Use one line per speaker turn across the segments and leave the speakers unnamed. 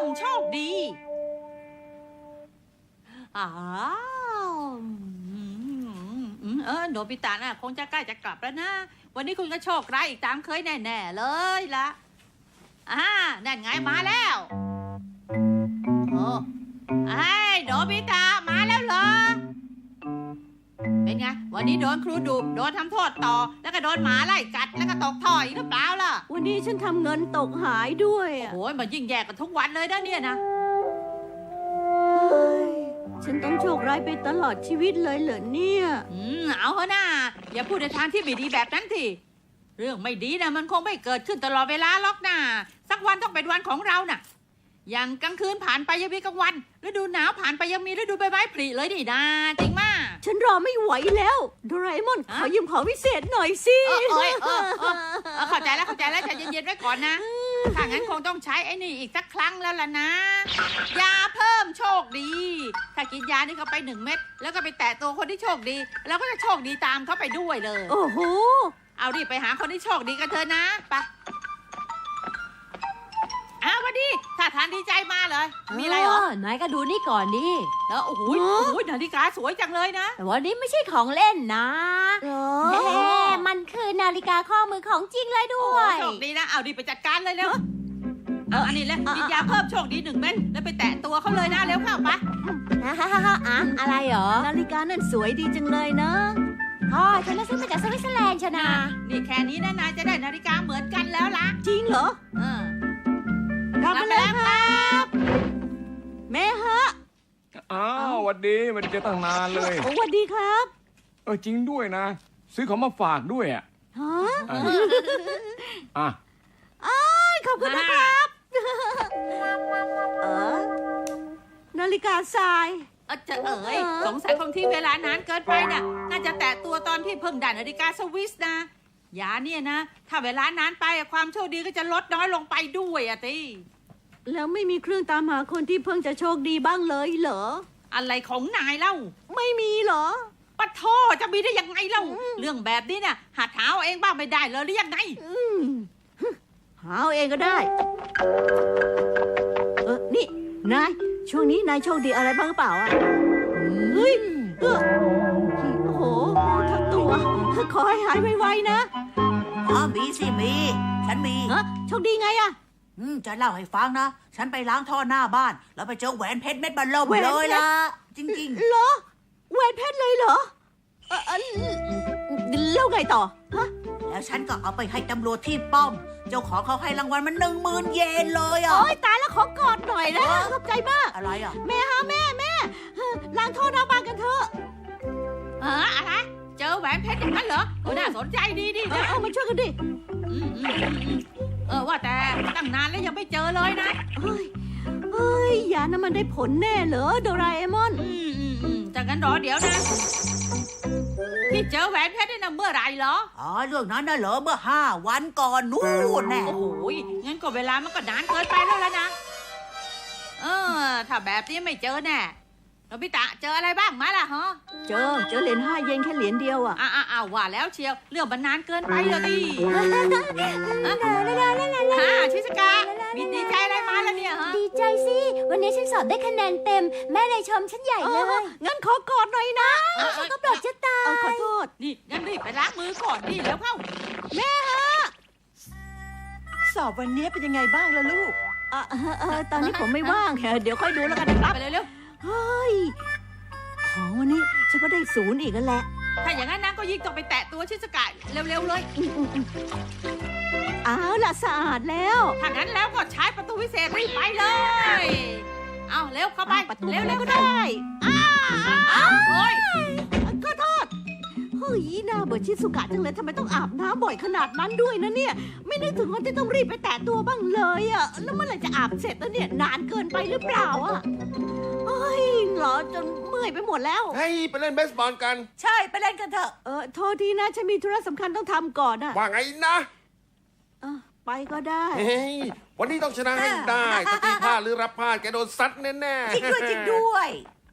โชคดีอ้าวโนบิตะน่ะคงจะใกล้จะกลับแล้วนะวันนี้คุณก็โชคร้ายอีกตามเคยแน่ๆเลยละนั่นไงมาแล้วโอ้โนบิตะมาแล้วเหรอเป็นไงวันนี้โดนครูดุโดนทำโทษต่อแล้วก็โดนหมาไล่กัดแล้วก็ตกท่ออีกหรือเปล่าล่ะ
วันนี้ฉันทำเงินตกหายด้วย
โอ้ยมันยิ่งแย่กันทุกวันเลยนะเนี่ยนะ
ฉันต้องโชคร้ายไปตลอดชีวิตเลยเหรอเนี่ย
เอาเถอะนะอย่าพูดในทางที่ไม่ดีแบบนั้นทีเรื่องไม่ดีนะมันคงไม่เกิดขึ้นตลอดเวลาหรอกนะสักวันต้องเป็นวันของเราน่ะอย่างกลางคืนผ่านไปยังมีกลางวันฤดูหนาวผ่านไปยังมีฤดูใบไม้ผลิเลยนี่นะจริงมาก
ฉันรอไม่ไหวแล้วโดราเอมอนขอยืมของพิเศษหน่อยสิ
เข้าใจแล้วใจเย็นๆไว้ก่อนนะถ้างั้นคงต้องใช้ไอ้นี่อีกสักครั้งแล้วล่ะนะยาเพิ่มโชคดีถ้ากินยานี่เข้าไป1 เม็ดแล้วก็ไปแตะตัวคนที่โชคดีแล้วก็จะโชคดีตามเขาไปด้วยเลย
โอ้โห
เอารีบไปหาคนที่โชคดีกันเถอะนะไปวันดีถ้าทานดีใจมาเลยมีอะไรเหร
อนายก็ดูนี่ก่อนดิ
แล้วโอ้โหนาฬิกาสวยจังเลยนะ
แต่วันนี้ไม่ใช่ของเล่นนะมันคือนาฬิกาข้อมือของจริงเลยด้วย
โชคดีนะเอาดีไปจัดการเลยเร็วอันนี้แล้วกินยาเพิ่มโชคดี1 เม็ดแล้วไปแตะตัวเขาเลยนะเร็วเข้าไป
อะไรเหรอ
นาฬิกานั่นสวยดีจังเลยนะ
ฉันซื้อมาจากสวิตเซอร์แลนด์ชนะ
นี่แค่นี้นะนายจะได้นาฬิกาเหมือนกันแล้วล่ะ
จริงเหรอกลับมาแล้วครับแม่ฮะ
หวัดดีไม่ได้เจอตั้งนานเลย
สวัสดีครับ
จริงด้วยนะซื้อของมาฝากด้วย
ฮะขอบคุณนะครับนาฬิกาทราย
สงสัยคงที่เวลานานเกินไปน่ะน่าจะแตะตัวตอนที่เพิ่งได้นาฬิกาสวิสนะยาเนี่ยนะถ้าเวลานานไปความโชคดีก็จะลดน้อยลงไปด้วยติ
แล้วไม่มีเครื่องตามหาคนที่เพิ่งจะโชคดีบ้างเลยเหรอ
อะไรของนายเล่า
ไม่มีเหรอ
ปะโทจะมีได้ยังไงเล่าเรื่องแบบนี้เนี่ยหาหาเอาเองบ้างไม่ได้เลยหรือยังไง
หาเอาเองก็ได้นี่นายช่วงนี้นายโชคดีอะไรบ้างเปล่าเฮ้ยโอ้โหทั้งตัวขอให้หายไวๆนะ
มีสิมีฉันมี
โชคดีไงอะ
จะเล่าให้ฟังนะฉันไปล้างท่อหน้าบ้านแล้วไปเจอแหวนเพชรเม็ดบัลล่มเลยล่ะจริง
ๆเหรอแหวนเพชรเลยเหรอแล้วไงต่อ
แล้วฉันก็เอาไปให้ตำรวจที่ป้อมเจ้าของเขาให้รางวัลมัน10,000 เยนเลย
โอ๊ยตายแล้วขอกอดหน่อยนะขอบใจมาก
อะไร
แม่ล้างท่อหน้าบ้านกันเถอะ
อะไรเจอแหวนเพชรอย่างนั้นเหรอน่าสนใจดีนะ
มาช่วยกันดิ
ว่าแต่ตั้งนานแล้วยังไม่เจอเลยนะ
เฮ้ยยานั้นมันได้ผลแน่เหรอโดราเอมอน
จากนั้นรอเดี๋ยวนะที่เจอแหวนเพชรนี่นะเมื่อไรเหรอ
เรื่องนั้นน่ะเหรอเมื่อ5 วันก่อนนู่นแน่
โอ้โหงั้นก็เวลามันก็นานเกินไปแล้วนะถ้าแบบนี้ไม่เจอแน่โนบิตะเจออะไรบ้างมาล่ะฮะ
เจอเหรียญ5 เยนแค่เหรียญเดียว
ว่าแล้วเชียวเรื่องมันนานเกินไปเลยดิชิสกามีดีใจอะไรมาแล้วเนี่ยฮะ
ดีใจสิวันนี้ฉันสอบได้คะแนนเต็มแม่เลยชมฉันใหญ่เลย
งั้นขอกอดหน่อยนะ
ฉันก็ปลดจะตาย
ขอโทษ
นี่งั้นรีบไปล้างมือก่อนดิแล้วเข้า
แม่ฮะ
สอบวันนี้เป็นยังไงบ้างล่ะลูก
ตอนนี้ผมไม่ว่างเดี๋ยวค่อยดูแล้วกันนะครับ
ไปเร็ว
เฮ้ยของวันนี้ฉันก็ได้0อีกแล้วแหละ
ถ้าอย่างนั้นนะก็ยิ่งต้องไปแตะตัวชิสกะเร็วๆเลย
เอาล่ะสะอาดแล้ว
ถ้างั้นแล้วก็ใช้ประตูวิเศษรีบไปเลยเอาเร็วเข้าไป
เร็วก็ได้
โอ้ย
ขอโทษเฮ้ยน่าเบื่อชิสุกะจังเลยทำไมต้องอาบน้ำบ่อยขนาดนั้นด้วยนะเนี่ยไม่นึกถึงว่าจะต้องรีบไปแตะตัวบ้างเลยแล้วเมื่อไหร่จะอาบเสร็จแล้วเนี่ยนานเกินไปหรือเปล่าเฮ้ยเหรอจนเมื่อยไปหมดแล้ว
ให้ไปเล่นเบสบอลกัน
ใช่ไปเล่นกันเถอะ
โทษทีนะฉันมีธุระสำคัญต้องทำก่อน
ว่าไงนะ
ไปก็ได้
วันนี้ต้องชนะให้ได้ถ้าตีพลาดหรือรับพลาดแกโดนซัดแน่
ๆจริงด้วย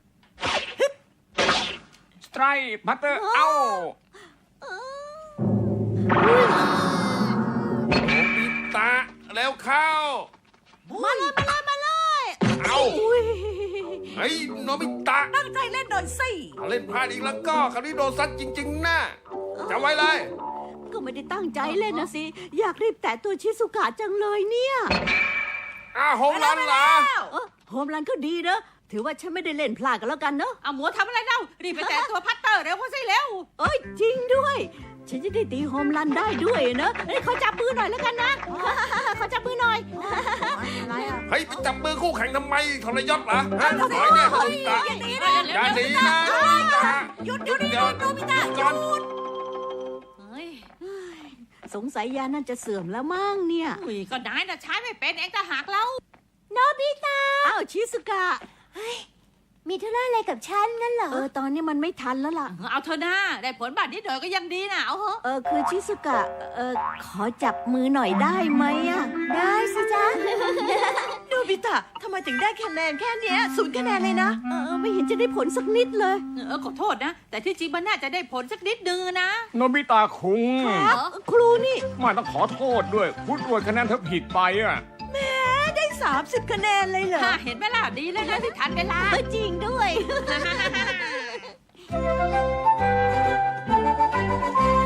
สไตร์พัตเตอร์เอาโนบิตะแล้วเข้า
มาเลย
เอา
อุ้ย
เฮ้ยโนบิตะ
ตั้งใจเล่นหน่อยสิ
ถ้าเล่นพลาดอีกแล้วก็คราวนี้โดนซัดจริงๆนะจำไว้เลย
ก็ไม่ได้ตั้งใจเล่นนะสิ อยากรีบแตะตัวชิสุกะจังเลยเนี่ย
โฮมรันเหรอ
โฮมรันก็ดีนะ ถือว่าฉันไม่ได้เล่นพลาดกันแล้วกันเนอะ
เอาหมูทำอะไรเล่ารีบไปแตะตัวพัตเตอร์เร็วเข้าสิเร็ว
เอ้ยจริงด้วย ฉันจะได้ตีโฮมรันได้ด้วยนะเอ้ยขอจับมือหน่อยแล้วกันนะ ขอจับมือหน่อย
อะไรอ่ะ
เฮ้ยไปจับมือคู่แข่งทำไมทรยศเหรอฮะถอยแน่โนบิตะอย่าหนีนะโนบิตะ
หยุดโนบิตะห
ก่อน
ยุด
เฮ้ย
สงสัยยานั่นจะเสื่อมแล้วมั้งเนี่ย
อุ้ยก็นายน่ะใช้ไม่เป็นเองถ้าหากเรา
โนบิตะ
อ้าวชิสุกะ
มีธุระอะไรกับฉันนั่นเหรอ
ตอนนี้มันไม่ทันแล้วล่ะ
เอาเธอหน้าได้ผลบาดนิดหน่อยก็ยังดีนะเอาเหอะ
คือชิสุกะ ขอจับมือหน่อยได้ไหมอะ
ได้สิจ๊ะ
โนบิตะทำไมถึงได้คะแนนแค่เนี้ย0 คะแนนเลยนะ
ไม่เห็นจะได้ผลสักนิดเลย
ขอโทษนะ แต่ที่จริงมันน่าจะได้ผลสักนิดนึงนะ
โนบิตะคุง
ครูนี่
ไม่ต้องขอโทษด้วยคุณตรวจคะแนนเธอผิดไปอ่ะ
ได้30 คะแนนเลยเหรอ
ถ้าเห็นไหมล่ะดีเลยนะที่ทันเวลา
จริงด้วย